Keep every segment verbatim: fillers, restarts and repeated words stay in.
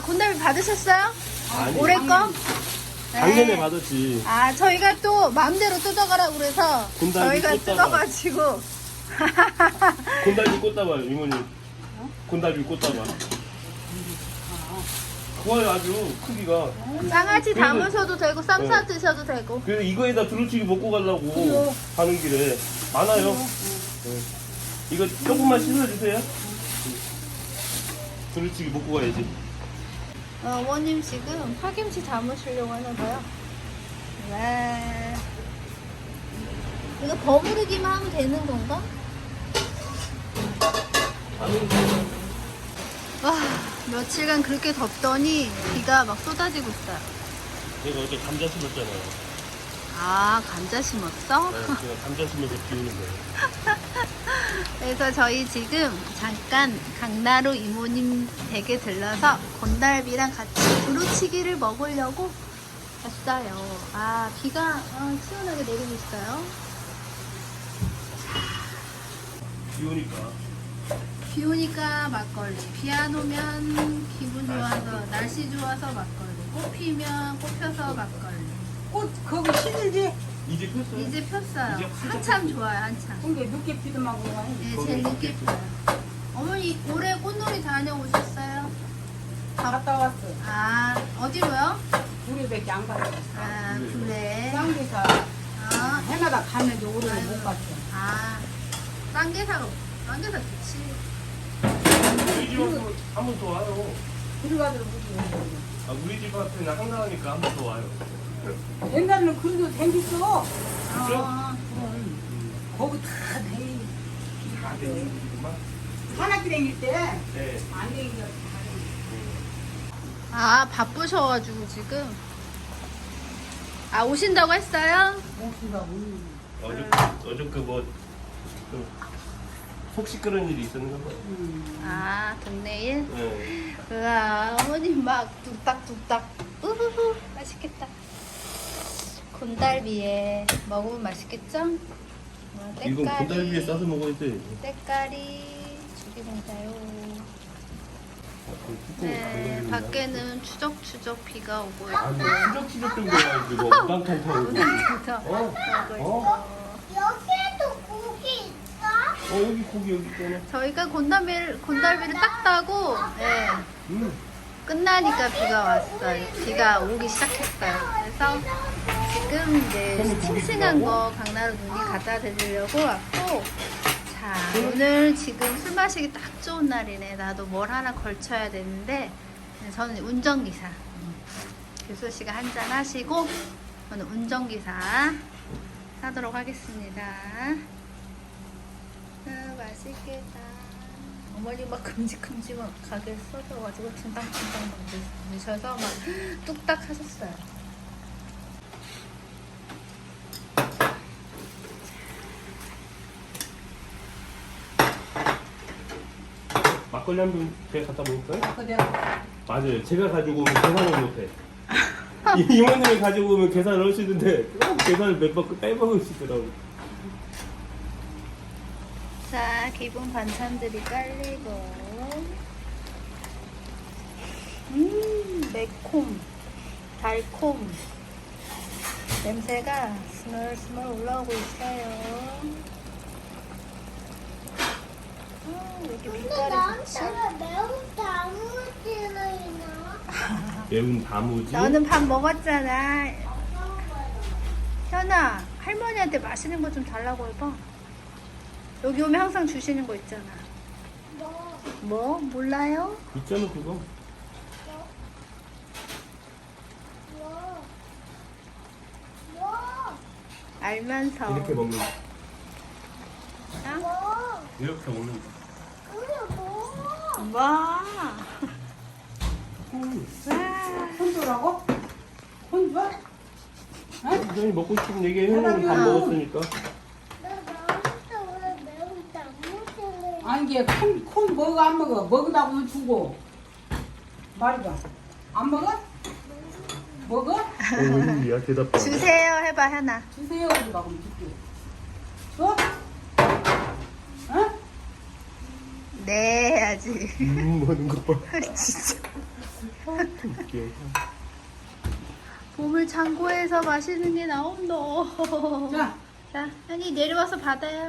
곤달비 받으셨어요? 아니, 올해 거? 작년에 네. 받았지. 아, 저희가 또 마음대로 뜯어가라고 그래서 곤달비 저희가 꽂다가. 뜯어가지고. 곤달비 꽂다봐요, 이모님. 곤달비 꽂다봐. 좋아요, 아주 크기가. 장아찌 그래도- 담으셔도 되고 쌈 싸 네. 드셔도 되고. 그래서 이거에다 두루치기 먹고 가려고 가는 길에 많아요. 네. 이거 조금만 씻어주세요. 두루치기 먹고 가야지. 어, 어머님 지금 파김치 담으시려고 하나봐요. 네. 이거 버무리기만 하면 되는 건가? 와, 며칠간 그렇게 덥더니 비가 막 쏟아지고 있어요. 내가 어제 감자 심었잖아요. 아, 감자 심었어? 네, 제가 감자 심어서 비 오는 거예요. 그래서 저희 지금 잠깐 강나루 이모님 댁에 들러서 곤달비랑 같이 두루치기를 먹으려고 왔어요. 아, 비가 어, 시원하게 내리고 있어요. 비 오니까. 비 오니까 막걸리, 비 안 오면 기분 좋아서, 날씨 좋아서 막걸리, 꽃 피면 꽃 펴서 막걸리. 꽃 거기 시들지? 이제 폈어요? 이제 폈어요. 이제 한참 좋아요, 한참. 그게 늦게 피더만 그거 네, 제일 늦게 펴요. 어머니 올해 꽃놀이 다녀오셨어요? 갔다 왔어. 아, 어디로요? 우리밖에 안 갔어. 아, 그래. 쌍계사 아, 해마다 갔는데 올해는 못 갔어. 아, 쌍계사가, 쌍계사 좋지. 우리 집 앞으로 한번 더 와요. 들어가들 무슨 아, 우리 집 앞에는 한가하니까 한 번 더 와요. 옛날에는 그래도 생겼어. 어, 거기 다 돼. 다 되는구만. 산악기 다닐 때안 네. 되니까 아, 바쁘셔가지고 지금. 아, 오신다고 했어요? 못 쓴다고. 어저, 어저께 뭐, 좀 속 시끄러운 일이 있었는가 봐요. 아, 동네 일? 네. 우와, 어머님 막 뚝딱뚝딱. 우후후, 맛있겠다. 곤달비에 먹으면 맛있겠죠? 와, 이건 곤달비에 싸서 먹어야 돼. 때깔이 죽입니다요. 아, 네, 밖에는 추적추적 비가 오고 있고. 아니, 추적추적 정도가 아니고 뭐 우당탕 타고. 그래서 어? 먹고 어? 있어. 여기에도 고기 있어? 어, 여기 고기 여기 있잖아. 저희가 곤달비를, 곤달비를 딱 따고, 예, 음. 끝나니까 비가 왔어요. 비가 오기 시작했어요. 그래서 지금 이제 싱싱한 거 강나루 누님 갖다 드리려고 왔고, 자, 오늘 지금 술 마시기 딱 좋은 날이네. 나도 뭘 하나 걸쳐야 되는데, 저는 운전기사. 교수 씨가 한잔 하시고, 저는 운전기사 하도록 하겠습니다. 아, 맛있겠다. 어머니 막 큼직큼직하게 써셔가지고 팅당팅당 막 드셔서 막 뚝딱 하셨어요. 막걸리 한 병 제가 갖다 먹을까요? 그 내가 맞아요. 제가 가지고 오면 계산을 못해. 이- 이모님이 가지고 오면 계산을 하시는데 꼭 계산을 몇 번 빼먹으시더라고. 자, 기본 반찬들이 깔리고, 음, 매콤, 달콤, 냄새가 스멀스멀 올라오고 있어요. 아, 왜 이렇게 근데 빛깔이 좋지? 나한테 왜 매운 단무지를 나와? 매운 다무지. 너는 밥 먹었잖아. 현아, 할머니한테 맛있는 거 좀 달라고 해봐. 여기 오면 항상 주시는 거 있잖아. 뭐? 뭐? 몰라요? 있잖아 그거. 뭐? 뭐? 알면서. 이렇게 먹는 거. 어? 뭐? 이렇게 먹는 거. 그게 뭐? 와. 음. 와. 혼주라고? 혼주? 선생님 먹고 싶은 얘기 해놓으면 밥 먹었으니까. 나 나한테 왜 매운 단무지를 아니 이게 콘, 콘 먹어 안 먹어? 먹으라고 하면 주고 말이봐 안 먹어? 먹어? 어, 웬일이야 대답도 안 해. 주세요 해봐 현아. 주세요 그러고 하면 줄게 줘? 어? 네 해야지. 음 하는 거 봐. 진짜. 웃겨. 보물 창고에서 맛있는 게 나온다. 자, 자, 현이 내려와서 받아요.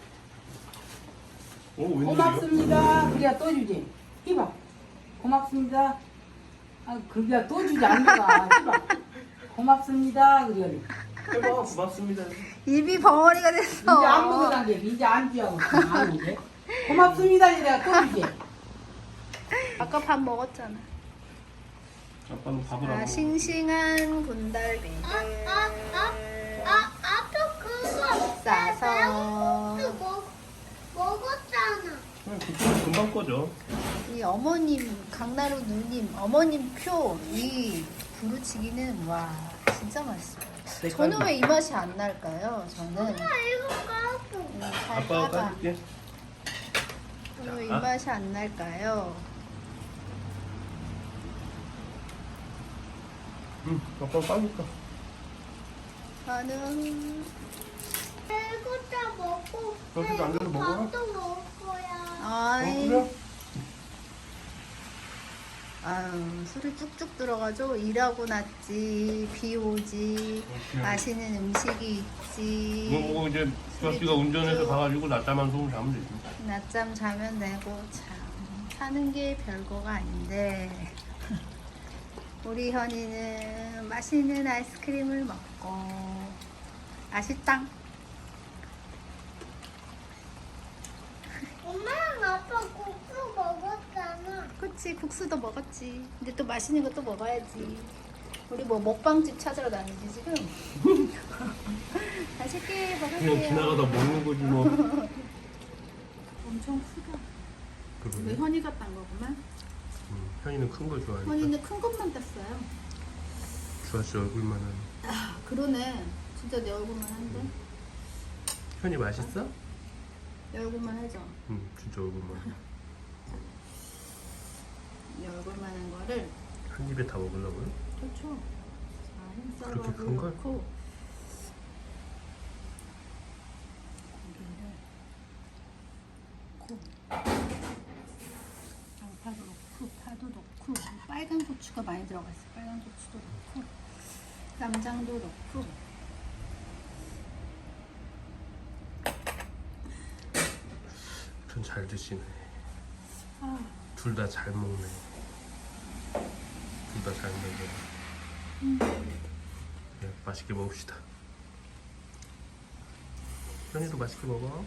어, 웬일이야? 고맙습니다. 그래야 또 주지. 이봐. 고맙습니다. 아, 그래야 또 주지 않는가. 이봐. 고맙습니다. 그래. 해봐, 고맙습니다. 입이 벙어리가 됐어. 이제 안 먹으란게 이제 안 주하고 안 오게. 고맙습니다. 내가 또 주지. 아까 밥 먹었잖아. 아빠는 밥을 안 아, 먹어. 싱싱한 군달비를 아, 아, 아, 아빠 그거 싸서 내가 먹, 먹었잖아. 그냥 그거 금방 꺼져. 이 어머님 강나루 누님 어머님 표 이 부르치기는 와 진짜 맛있어요. 저는 왜 이 맛이 안 날까요? 저는 아, 이거 까고. 음, 잘 아빠가 까봐. 까줄게. 저는 왜 이 자. 맛이 안 날까요? 응, 아빠가 까니까. 저는 이거 다 먹고. 여기도 앉아서 이거 먹어라. 밥도 먹을 거야. 아이 어, 그래? 아유 술이 쭉쭉 들어가죠. 일하고 났지 비 오지 그래. 맛있는 음식이 있지. 이거 보고 이제 수아씨가 운전해서 가가지고 낮잠 소금 자면 되지. 낮잠 자면 되고 참 사는 게 별거가 아닌데 우리 현이는 맛있는 아이스크림을 먹고 맛있당. 엄마랑 아빠 국수 먹었잖아. 그치 국수도 먹었지. 근데 또 맛있는 것도 먹어야지. 우리 뭐 먹방집 찾으러 다니지 지금. 맛있게 그냥 먹으세요. 지나가다 먹는 거지 뭐. 엄청 크다. 근데 그러네. 현이가 딴 거구만. 응, 현이는 큰 거 좋아하니까. 현이는 큰 것만 땄어요. 수아씨 얼굴만한. 아 그러네. 진짜 내 얼굴만 한데. 현이 맛있어? 내 얼굴만 하죠. 응, 진짜 얼굴만. 이 얼굴만 한 거를 한 입에 다 먹으려고요? 그렇죠. 자, 흰쌀밥을 그렇게 큰 걸? 넣고 고기를 넣고 양파도 넣고 파도 넣고 빨간 고추가 많이 들어가 있어요. 빨간 고추도 넣고 쌈장도 넣고 전 잘 드시네. 아, 둘 다 잘 먹네. 둘 다 잘 먹네. 음. 네, 맛있게 먹읍시다. 현이도 맛있게 먹어.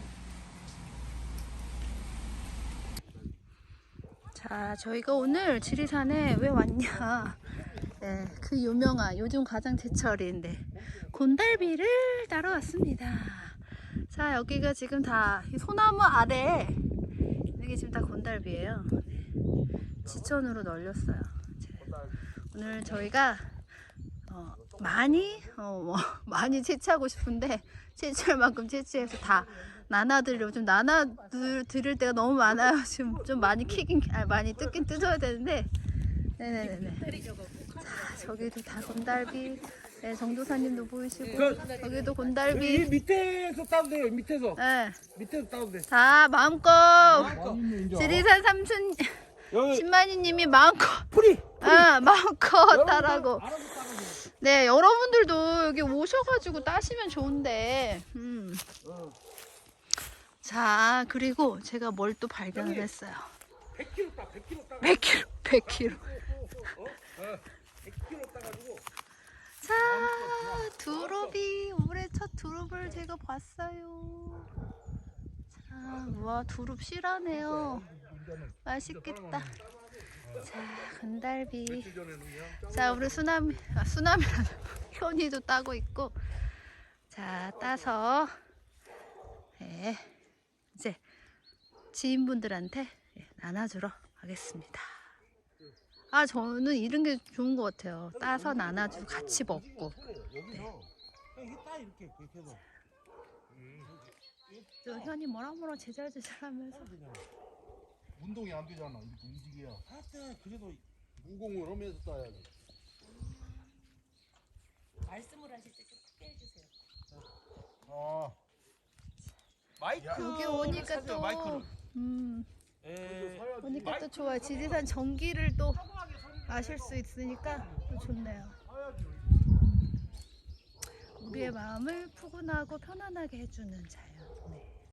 자, 저희가 오늘 지리산에 왜 왔냐? 네, 그 유명한 요즘 가장 제철인데 곤달비를 따러 왔습니다. 자, 여기가 지금 다 이 소나무 아래 이게 지금 다 곤달비예요. 네, 지천으로 널렸어요. 이제 오늘 저희가 어, 많이 어, 뭐, 많이 채취하고 싶은데 채취할 만큼 채취해서 다 나눠드리려고 좀 나눠드릴 때가 너무 많아요. 지금 좀 많이 키긴 아, 많이 뜯긴 뜯어야 되는데 네네네네. 자, 저기도 다 곤달비. 네, 정도사님도 보이시고 저기도 이 곤달비. 밑에서 따도 돼요. 밑에서 네, 밑에서 따도 돼. 다 마음껏 지리산 삼촌 여기 신만이님이 마음껏 뿌리. 아 마음껏 따라고. 알아서 따면 돼. 네, 여러분들도 여기 오셔가지고 따시면 좋은데. 음. 자, 그리고 제가 뭘 또 발견을 했어요. 백 킬로그램 따. 백 킬로그램 따. 백 킬로그램, 백 킬로그램. 백 킬로그램 따가지고. 자, 두릅이 올해 첫 두릅을 제가 봤어요. 자, 와, 두릅 실하네요. 맛있겠다. 자, 건달비. 자, 우리 수남, 아, 수남이라는 현이도 따고 있고. 자, 따서 네, 이제 지인분들한테 나눠주러 가겠습니다. 아, 저는 이런 게 좋은 것 같아요. 따서 나눠주고 같이 먹고. 여기서 이게 따 이렇게 그렇게 해서. 저 현이 뭐라 뭐라 제잘제잘하면서. 운동이 안 되잖아. 이렇게 움직여야. 하여튼 그래도 무공을 하면서 따야지. 말씀을 하실 때 좀 크게 해주세요. 아. 마이크. 여기 오니까 또 마이크를. 음, 에. 오니까 또 좋아. 지리산 전기를 또 아실 수 있으니까 또 좋네요. 우리의 마음을 푸근하고 편안하게 해주는 자연. 네.